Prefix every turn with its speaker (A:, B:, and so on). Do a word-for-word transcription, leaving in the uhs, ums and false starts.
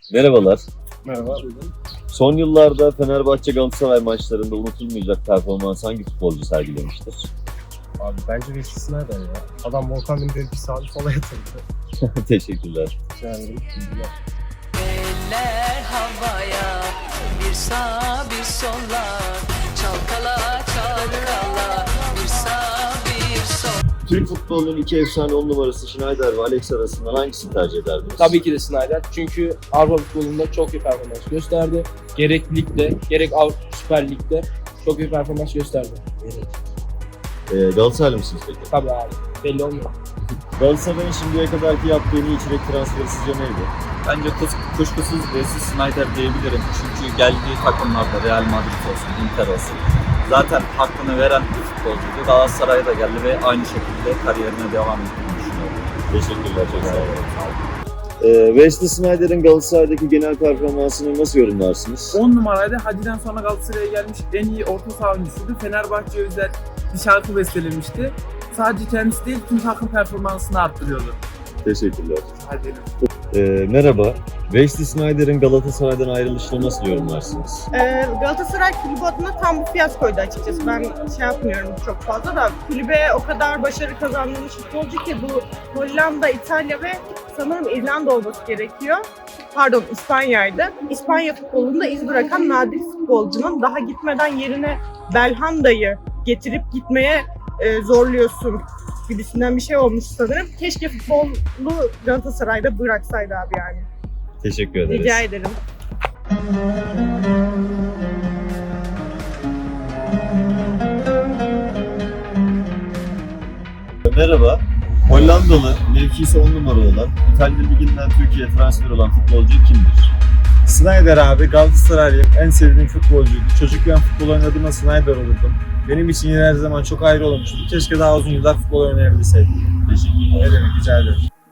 A: Merhabalar.
B: Merhaba.
A: Son yıllarda Fenerbahçe Galatasaray maçlarında unutulmayacak performans hangi futbolcu sergilemiştir?
B: Abi bence Wesley Sneijder ya. Adam Volkan Demirel'i bir sağa bir sola yatırdı.
A: Teşekkürler.
B: Rica ederim. Bilgiler.
C: Eller havaya, bir sağ bir sola, çalkala çalkala, bir sağ bir sol.
A: Türk futbolunun iki efsane on numarası Sneijder ve Alex arasından hangisini tercih ederdiniz?
D: Tabii ki de Sneijder. Çünkü Avrupa futbolunda çok iyi performans gösterdi. Gerek ligde, gerek Avrupa Süper Lig'de çok iyi performans gösterdi.
A: Ee, Galatasaraylı mısınız peki?
D: Tabii abi. Belli olmuyor.
A: Galatasaray'ın şimdiye kadarki yaptığı en iyi içerik transferi sizce neydi?
E: Bence kus- kuşkusuz Wesley Sneijder diyebilirim. Çünkü geldiği takımlarda Real Madrid olsun, Inter olsun. Zaten hakkını veren bir futbolcuydu. Galatasaray'a da geldi ve aynı şekilde kariyerine devam ettiğini düşünüyorum.
A: Teşekkürler, çok sağ olun. Ee, Wesley Sneijder'in Galatasaray'daki genel performansını nasıl yorumlarsınız?
F: on numaraydı. Hadi'den sonra Galatasaray'a gelmiş en iyi orta saha oyuncusuydu. Fenerbahçe özel bir şarkı bestelemişti. Sadece kendisi değil, tüm takım performansını arttırıyordu.
A: Teşekkürler.
F: Hadi.
A: Ee, merhaba. Wesley Sneijder'in Galatasaray'dan ayrılışını nasıl yorumlarsınız?
G: Ee, Galatasaray kulübü adına tam bir fiyaskoydu açıkçası. Ben şey yapmıyorum çok fazla da kulübe o kadar başarı kazandırmış futbolcu ki bu Hollanda, İtalya ve sanırım İrlanda olması gerekiyor. Pardon, İspanya'ydı. İspanya futbolunda iz bırakan nadir futbolcunun daha gitmeden yerine Belhanda'yı getirip gitmeye e, zorluyorsun gibisinden bir şey olmuş sanırım. Keşke futbolu Galatasaray'da bıraksaydı abi yani.
A: Teşekkür ederiz.
G: Rica ederim.
A: Merhaba. Hollandalı, mevkisi on numara olan, İtalya Ligi'nden Türkiye'ye transfer olan futbolcu kimdir?
B: Sneijder abi Galatasaraylıyım. En sevdiğim futbolcuydu. Çocukken futbol oynadığımda Sneijder olurdum. Benim için yine her zaman çok ayrı olmuştu. Keşke daha uzun yıllar futbol oynayabilseydim.
A: Teşekkürler.
B: Ne demek, rica ederim.